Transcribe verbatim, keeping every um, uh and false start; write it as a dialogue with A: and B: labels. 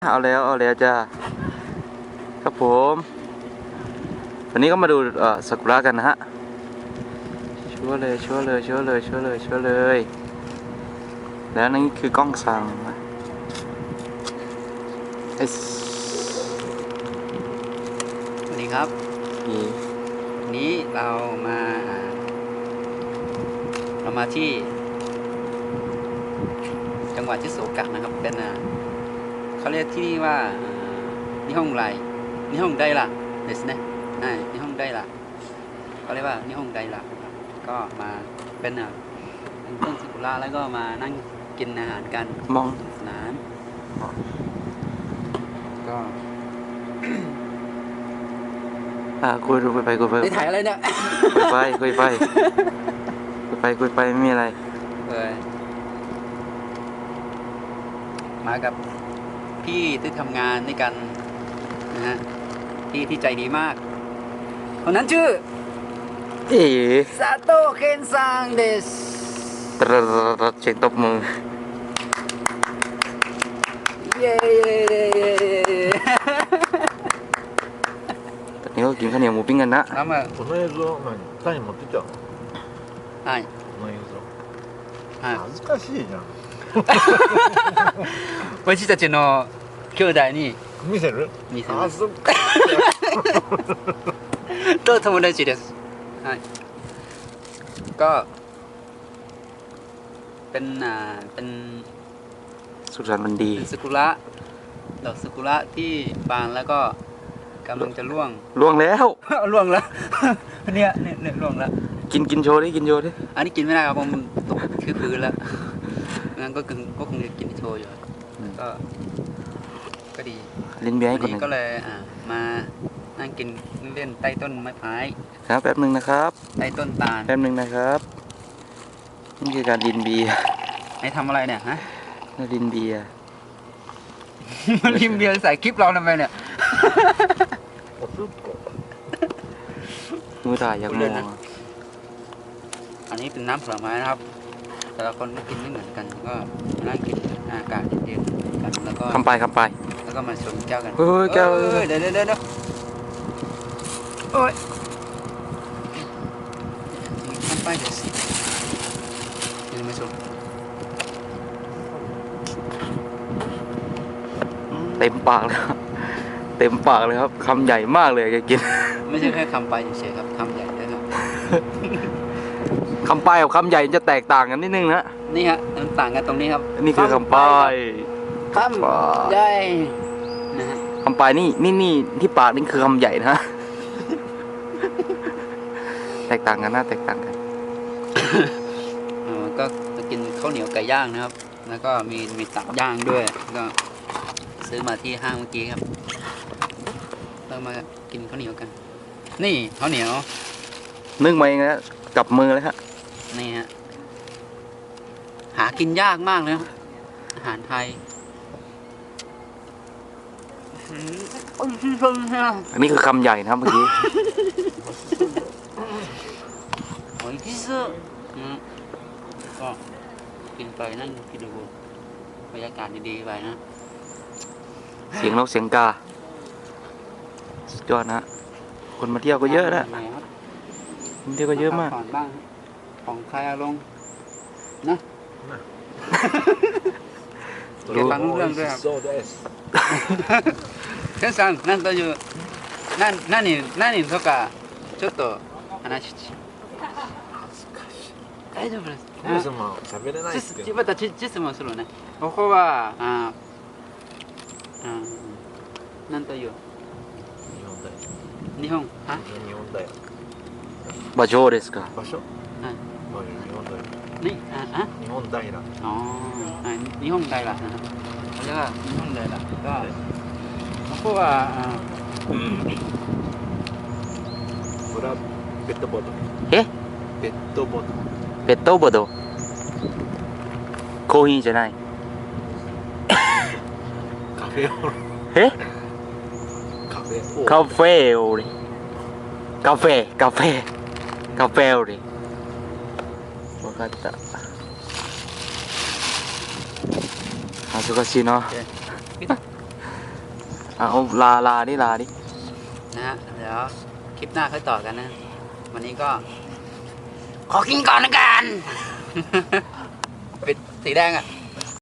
A: เอาแล้วเอาแล้วจ้าครับผมวันนี้ก็มาดูเอ่อซากุระกันนะฮะชัวร์เลยชัวร์เลยชัวร์เลยชัวร์เลยชัวร์เลยแล้วนี่คือกล้องสั่งไอ้
B: สวัสดีครับวันนี้เรามาเรามาที่จังหวัดชิโซกะนะครับเป็นเขาเรียกที่นี่ว่านิฮงไรนิฮงไดระเดสเนะอ่านิฮงไดระเขาเรียกว่านิฮงไดระก็มาเป็นอ่ะเป็นต้นซากุระแล้วก็มานั่งกินอาหารกัน
A: มอง
B: สนานก็
A: อ่าคุยคุยไปคุยไป
B: ได้ถ่ายอะไรเนี่ย
A: คุยไปคุยไปคุยไปคุยไปไม่มีอะไร
B: เออมากับพี่ที่ทำงานด้วยกันนะฮะพี่ที่ใจดีมากคนนั้นชื่อ
A: เอ๋
B: ซาโตะเคนซังเดส
A: ตรดเช็คตบมือ
B: เย้
A: ตอนนี้ก็กินข้าวเหนียวหมูปิ้งกันนะ
B: แล้วมา
C: この映像何タイ持ってきたの
B: はい
C: この映像
B: はい
C: 恥ずかしいじゃん
B: 私たちの兄弟に
C: 見せる
B: 見せます
C: 恥ずかしい
B: と友達ですはいก็เป็นอ่าเป็น
A: สุขสันต์วันดี
B: เป็นซากุระดอกซากุระที่บานแล้วก็กำลังจะร่วง
A: ล่วงแล้ว
B: ร่วงแล้วเนี่ยเนี่ยเนี่ยร่วงแล้ว
A: กินกินโชว์ดิกินโชว์ดิ
B: อันนี้กินไม่ได้ครับเพราะมันตกคือพื้นแล้วงั้นก็คงก็คงจะกินโชว์อยู่ก็ก็ดี
A: ลิ้นเบี้ยให้คน
B: นี้ก็เลยอ่ามานั่งกินเล่นใต้ต้นไม้พาย
A: ครับแป๊บหนึ่งนะครับ
B: ใต้ต้นตาล
A: แป๊บหนึ่งนะครับนี่คือการดินเบียร์
B: ไอ้ทำอะไรเนี่ยฮะ
A: ดินเบียร์
B: มันดินเบียร์ใส่คลิปเราทำไมเนี่ย
A: มือถ่ายยังมอง
B: อันนี้เป็นน้ำผลไม้นะครับแต่ละคนก็กินไม่เหมือนกันก็นั่งกินอากาศเย็นๆกันแล้วก็
A: คำไปคำไป
B: แล้วก็มาชมแก้วกัน
A: เฮ้ยแก้ว
B: เดี๋ยวเดี๋ยวเดี๋ยวโอ้ยคำไปเดี๋ยวสิเดี๋ยวมาชม
A: เต็มปากเลยเต็มปากเลยครับคำใหญ่มากเลยแกกิน
B: ไม่ใช่แค่คำไปเฉยๆครับคำใหญ่ด้วยครับ
A: คำปลายกับคำใหญ่จะแตกต่างกันนิดนึงนะ
B: นี่ฮะมันต่างกันตรงนี้ครับ
A: นี่คือคำปลาย
B: คำใหญ่นะฮะ
A: คำปลายนี่นี่นี่ที่ปากนี่คือคำใหญ่นะแตกต่างกันนะแตกต่างกัน
B: ก็จะกินข้าวเหนียวไก่ย่างนะครับแล้วก็มีมีตับย่างด้วยก็ซื้อมาที่ห้างเมื่อกี้ครับเรามากินข้าวเหนียวกันนี่ข้าวเหนียว
A: นึ่งมาเองนะกับมือเลยฮะ
B: นี่ฮะหากินยากมากเลยอาหารไทย
A: อันนี้คือคำใหญ่นะครับเมื่อกี้
B: โอ้ยที่สุดก็กินไปนั่งกินดูบรรยากาศดีๆไปนะ
A: เสียงนกเสียงกาสุดยอดนะคนมาเที่ยวก็เยอะนะคนเที่ยวก็เยอะมาก
B: ของใครอารมณ์นะเก็บฟังเรื่องด้วยครับケンさんなんというな何何とかちょっと話大丈夫です
C: 喋れないですけど
B: また質問するねここはああなんという日本は
C: 日本だよ
A: 場所ですか
C: 場所
B: はい
C: 日本だよ
B: นี่อ่ะอ่ะ
C: 日本平
B: อ๋อ日本平นะครับเขาเรียกว่า日本平ก็ここは
C: これはペットボトル
A: え
C: ペットボトル
A: ペットボトルコーヒーじゃない
C: カフェオレ
A: え
C: カフェ
A: カフェオレカフェカフェカフェオレ分かった恥ずかしいなเอาลาลาดิลาดิ
B: นะฮะเดี๋ยวคลิปหน้าค่อยต่อกันนะ วันนี้ก็ ขอกินก่อนละกัน เป็นสีแดงอ่ะ